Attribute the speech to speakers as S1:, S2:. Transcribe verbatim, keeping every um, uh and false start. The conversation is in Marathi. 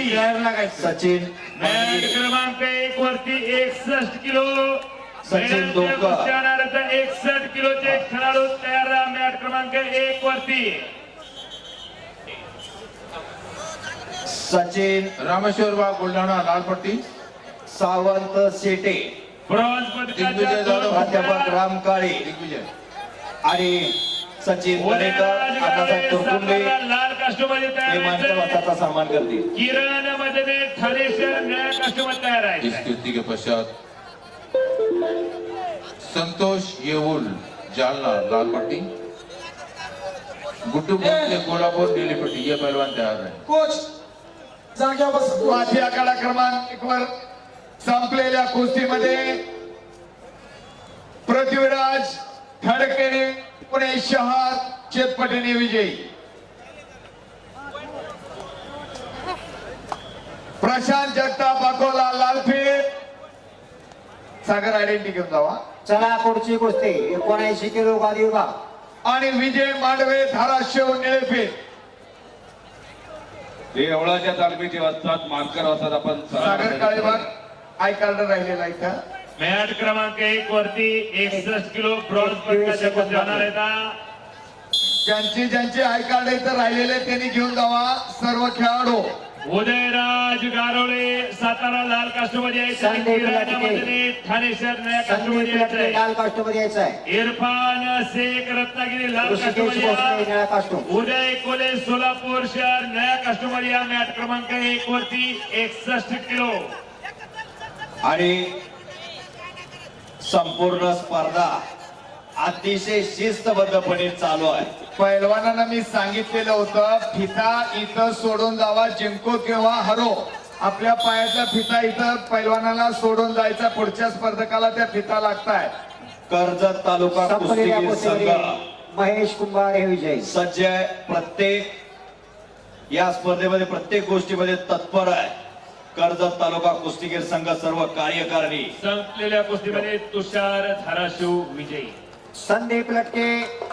S1: सचिन
S2: मॅट क्रमांक एक वरती एकसष्ट किलो
S1: सचिन डोंगर
S2: एकसष्ट किलोचे खेळाडू तयार राहा. मॅट क्रमांक एक वरती
S1: सचिन
S3: रामेश्वर बाग बुलढाणा लालपट्टी
S1: सावंत शेटे
S2: ब्रॉन्झ
S3: दिग्विजय
S2: पदकाच्या
S3: जाधव,
S2: दोन
S1: प्राध्यापक राम काळे
S3: दिग्विजय
S1: आणि सचिन दरेकर
S2: उदयराज
S1: अण्णासाहेब
S2: गावडे,
S1: तुरकुंडे
S2: सातारा लाल कास्टमध्ये
S1: हे
S2: तयार
S1: मानकर
S2: आहे.
S1: वस्ताचा सन्मान करतील.
S2: किरण मध्ये ठाणेश्वर निळ्या कास्टमध्ये तयार
S3: इस
S2: आहे.
S3: कृति के पश्चात संतोष येऊल जालना लालपट्टी गुड्डू भोसले कोल्हापुर नीलीपट्टी ये पहलवान तैयार है.
S4: कोच जाग्या बस.
S5: माथी आखाडा क्रमांक एक वर संपलेल्या कुस्तीमध्ये पृथ्वीराज खडके पुणे शहर चेतपटीने विजयी. प्रशांत जगताप अकोला लालफेट सागर आयडेंटिटी घेऊन जावा.
S1: चला पुढची कुस्ती एकोणऐंशी किलो गादी विभाग
S5: आणि विजय मांडवे धाराशिव निळेफेट.
S6: देवळाच्या तालमीचे वाजतात मानकर वाजतात. आपण
S5: सागर काळेबाग आय कार्ड राहिलेला इथं.
S2: मॅट क्रमांक एक वरती एकसष्ट किलो ब्रॉन्झ पदकाच्या कुस्ती होणार आहेत.
S5: ज्यांचे ज्यांचे आय कार्ड इथं राहिलेले त्यांनी घेऊन जावा. सर्व खेळाडू
S2: उदयराज गारोळे सातारा लाल कास्टमध्ये यायचं.
S1: संदीप
S2: किरण
S1: लटके.
S2: मध्ये ठाणेश्वर निळ्या
S1: संदीप
S2: कास्टमध्ये
S1: लटके
S2: यायचंय.
S1: लाल कास्टमध्ये यायचं आहे.
S2: इरफान शेख रत्नागिरी लाल
S1: ऋषिकेश
S2: कास्टमध्ये
S1: भोसले
S2: या.
S1: निळा कास्टूम.
S2: उदय कोले सोलापूर शहर नया कास्टमध्ये या. मॅट क्रमांक एक वरती एकसष्ट किलो
S1: आणि संपूर्ण स्पर्धा अतिशय शिस्तबद्धपणे चालू आहे.
S5: पैलवानांना मी सांगितलेलं होतं फिता इथं सोडून जावा. जिंको किंवा हरो आपल्या पायाचा फिता इथं पैलवानाला सोडून जायचा. पुढच्या स्पर्धकाला त्या फिता लागताय.
S1: कर्जत तालुका संपलेल्या कुस्तीगीर संघ कुस्तीमध्ये महेश कुंभार हे विजयी. सज्ज आहे. प्रत्येक या स्पर्धेमध्ये प्रत्येक गोष्टीमध्ये तत्पर आहे. कर्जत तालुका कुस्तीगीर संघ सर्व कार्यकारिणी.
S2: संपलेल्या कुस्तीमध्ये तुषार धाराशिव विजयी.
S1: संदीप लटके